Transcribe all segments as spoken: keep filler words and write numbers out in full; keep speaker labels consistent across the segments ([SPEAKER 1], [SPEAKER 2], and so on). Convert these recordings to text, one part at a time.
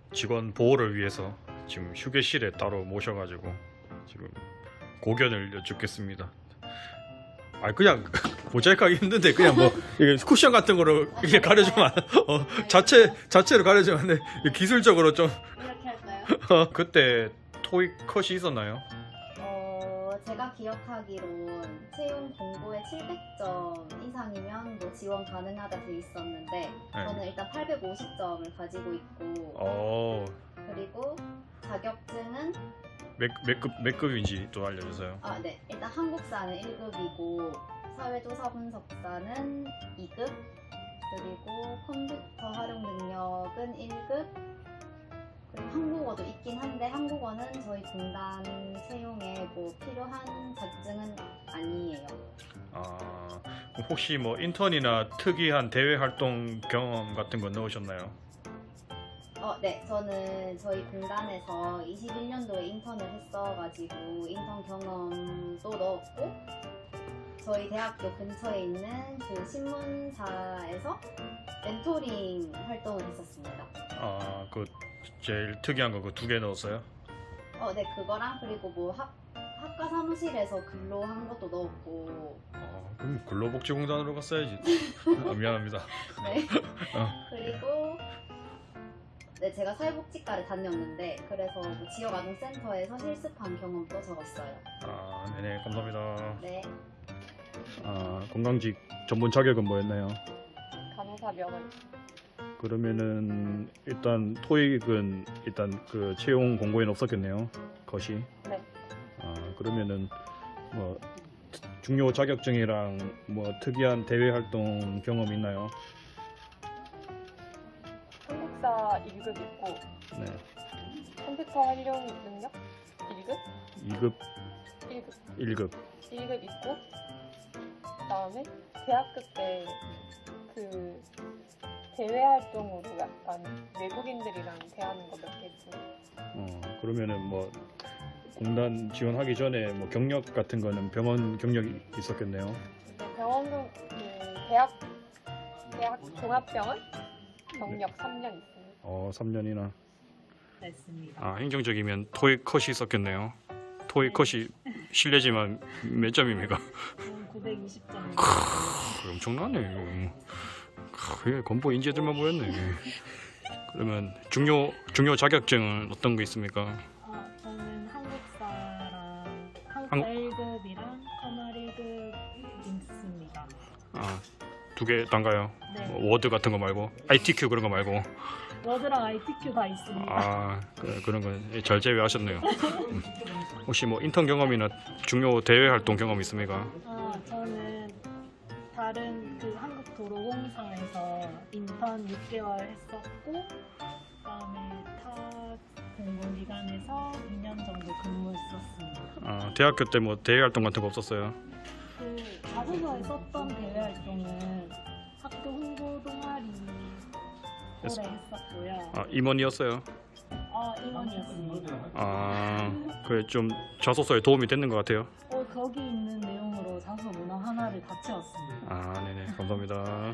[SPEAKER 1] 직원 보호를 위해서 지금 휴게실에 따로 모셔가지고 지금 고견을 여쭙겠습니다. 아 그냥 모자이크하기 힘든데 그냥 뭐 이게 쿠션 같은 거로 이렇게 가려주면 안- 어, 자체 자체로 가려주면 안 돼. 기술적으로 좀
[SPEAKER 2] 이렇게 할까요?
[SPEAKER 1] 어, 그때 토익 컷이 있었나요?
[SPEAKER 2] 어, 제가 기억하기론 채용 공고에 칠백 점 이상이면 뭐 지원 가능하다 돼 있었는데 저는 일단 팔백오십 점을 가지고 있고
[SPEAKER 1] 어,
[SPEAKER 2] 그리고 자격증은
[SPEAKER 1] 몇, 몇 급, 몇 급인지 또 알려주세요.
[SPEAKER 2] 아, 네. 일단 한국사는 일 급이고 사회조사 분석사는 이 급 그리고 컴퓨터 활용 능력은 일 급 그리고 한국어도 있긴 한데 한국어는 저희 공단 채용에 뭐 필요한 자격증은 아니에요.
[SPEAKER 1] 아, 혹시 뭐 인턴이나 특이한 대외 활동 경험 같은 거 넣으셨나요?
[SPEAKER 2] 어, 네. 저는 저희 공단에서 이십일 년도에 인턴을 했어가지고 인턴 경험도 넣었고 저희 대학교 근처에 있는 그 신문사에서 멘토링 활동을 했었습니다.
[SPEAKER 1] 아, 그 제일 특이한 거 그 두 개 넣었어요?
[SPEAKER 2] 어, 네. 그거랑 그리고 뭐 학, 학과 사무실에서 근로한 것도 넣었고
[SPEAKER 1] 아, 그럼 근로복지공단으로 갔어야지. 아, 미안합니다.
[SPEAKER 2] 네.
[SPEAKER 1] 어.
[SPEAKER 2] 그리고 네, 제가 사회복지과를 다녔는데 그래서 뭐 지역아동센터에서 실습한 경험도 적었어요.
[SPEAKER 1] 아, 네네, 감사합니다.
[SPEAKER 2] 네.
[SPEAKER 1] 아, 건강직 전문 자격은 뭐였나요?
[SPEAKER 3] 간호사 명은
[SPEAKER 1] 그러면은 일단 토익은 일단 그 채용 공고에는 없었겠네요. 것이.
[SPEAKER 3] 네.
[SPEAKER 1] 아, 그러면은 뭐 중요 자격증이랑 뭐 특이한 대외 활동 경험 있나요?
[SPEAKER 3] 한국사 일 급 있고
[SPEAKER 1] 네.
[SPEAKER 3] 컴퓨터 활용 능력 일 급,
[SPEAKER 1] 이 급,
[SPEAKER 3] 일 급,
[SPEAKER 1] 일 급.
[SPEAKER 3] 일 급 있고 그다음에 대학교 때 그 대외 활동으로 약간 외국인들이랑 대하는 거 몇 개 있습니다.
[SPEAKER 1] 어, 그러면은 뭐 공단 지원하기 전에 뭐 경력 같은 거는 병원 경력이 있었겠네요.
[SPEAKER 3] 네, 병원은 그 대학 대학 종합병원 경력 삼 년 있습니다.
[SPEAKER 1] 어, 삼 년이나.
[SPEAKER 4] 됐습니다.
[SPEAKER 1] 아, 행정적이면 토익 컷이 있었겠네요. 토익 컷이 실례지만 몇 점입니까?
[SPEAKER 4] 구백이십 점.
[SPEAKER 1] 크, 엄청나네. 이거. 크, 예, 건보 인재들만 모였네. 그러면 중요 중요 자격증은 어떤 거 있습니까?
[SPEAKER 4] 어, 저는 한국사랑 한국사
[SPEAKER 1] 한국-
[SPEAKER 4] 일 급이랑 커널 일 급 있습니다.
[SPEAKER 1] 아, 두 개 단가요?
[SPEAKER 4] 네.
[SPEAKER 1] 뭐 워드 같은 거 말고 아이티큐 그런 거 말고.
[SPEAKER 4] 워드랑 아이티큐 다 있습니다.
[SPEAKER 1] 아, 그, 그런 건 잘 제외하셨네요. 음. 혹시 뭐 인턴 경험이나 중요 대외 활동 경험 있습니까?
[SPEAKER 4] 어, 저는 다른 그 한국도로공사에서 인턴 육 개월 했었고 그다음에 타 공공기관에서 이 년 정도 근무했었습니다.
[SPEAKER 1] 아, 대학교 때 뭐 대외 활동 같은 거 없었어요?
[SPEAKER 4] 그 자소서에 썼던 대외 활동은 학교 홍보 동아리 오래 했었고요.
[SPEAKER 1] 아, 임원이었어요.
[SPEAKER 4] 어, 임원이었습니다.
[SPEAKER 1] 아, 그래 좀 자소서에 도움이 됐는 것 같아요.
[SPEAKER 4] 어, 거기 있는 내용으로 자소 문화 하나를 다 채웠습니다.
[SPEAKER 1] 아, 네네, 감사합니다.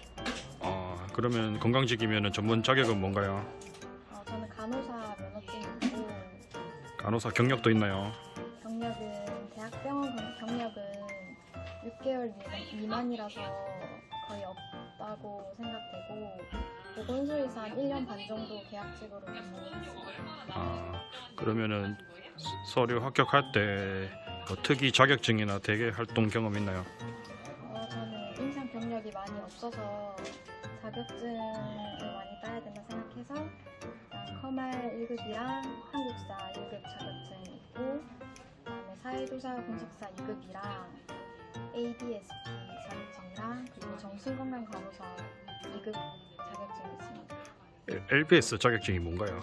[SPEAKER 1] 아, 그러면 건강직이면 전문 자격은 뭔가요?
[SPEAKER 2] 어, 저는 간호사 면허증이고
[SPEAKER 1] 간호사 경력도 있나요?
[SPEAKER 2] 경력은 대학병원 경- 경력은 육 개월 미- 미만이라서 거의 없다고 생각되고 보건소에서 한 일 년 반 정도 계약직으로 근무했어요.
[SPEAKER 1] 아, 그러면은 서류 합격할 때 뭐 특이 자격증이나 대외 활동 경험 있나요?
[SPEAKER 2] 어, 저는 인상 경력이 많이 없어서 자격증을 많이 따야 된다 생각해서 일단 커말 일 급이랑 한국사 일 급 자격증이 있고 그다음에 사회조사 분석사 이 급이랑 에이비에스피 자격증이랑 그리고 정신건강간호사 이 급 자격증이 있습니다.
[SPEAKER 1] 엘비에스 자격증이 뭔가요?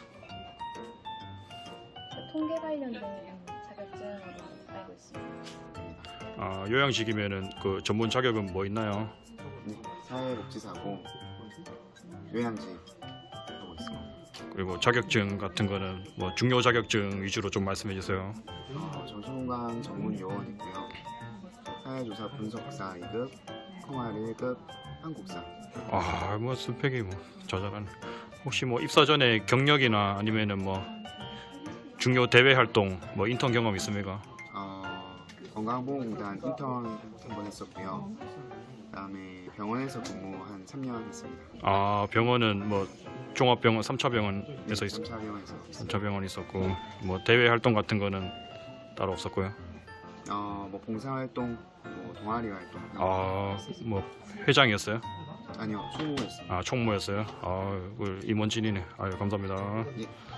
[SPEAKER 2] 그 통계 관련된 자격증으로 알고 있습니다.
[SPEAKER 1] 아, 요양직이면은 그 전문 자격은 뭐 있나요?
[SPEAKER 5] 네, 사회복지사고 요양직 하고 있습니다.
[SPEAKER 1] 그리고 자격증 같은 거는 뭐 중요 자격증 위주로 좀 말씀해 주세요.
[SPEAKER 5] 어, 정신건강 전문 요원 있고요. 사회조사 분석사 이 급, 콩알 일 급, 한국사.
[SPEAKER 1] 아, 뭐 스펙이 뭐 자잘하네. 혹시 뭐 입사 전에 경력이나 아니면은 뭐 중요 대외 활동, 뭐 인턴 경험 있습니까?
[SPEAKER 5] 어, 건강보험공단 인턴 한 번 했었고요. 그다음에 병원에서 근무 한 삼 년 했습니다.
[SPEAKER 1] 아, 병원은 뭐 종합병원, 삼 차 병원에서 있었,
[SPEAKER 5] 삼 차 병원에서
[SPEAKER 1] 삼 차 병원 있었고, 뭐 대외 활동 같은 거는 따로 없었고요.
[SPEAKER 5] 어, 뭐 봉사활동, 뭐 동아리 활동.
[SPEAKER 1] 아, 뭐 회장이었어요?
[SPEAKER 5] 아니요, 총무였습니다.
[SPEAKER 1] 아, 총무였어요? 아, 그 임원진이네. 아유, 감사합니다.
[SPEAKER 5] 예.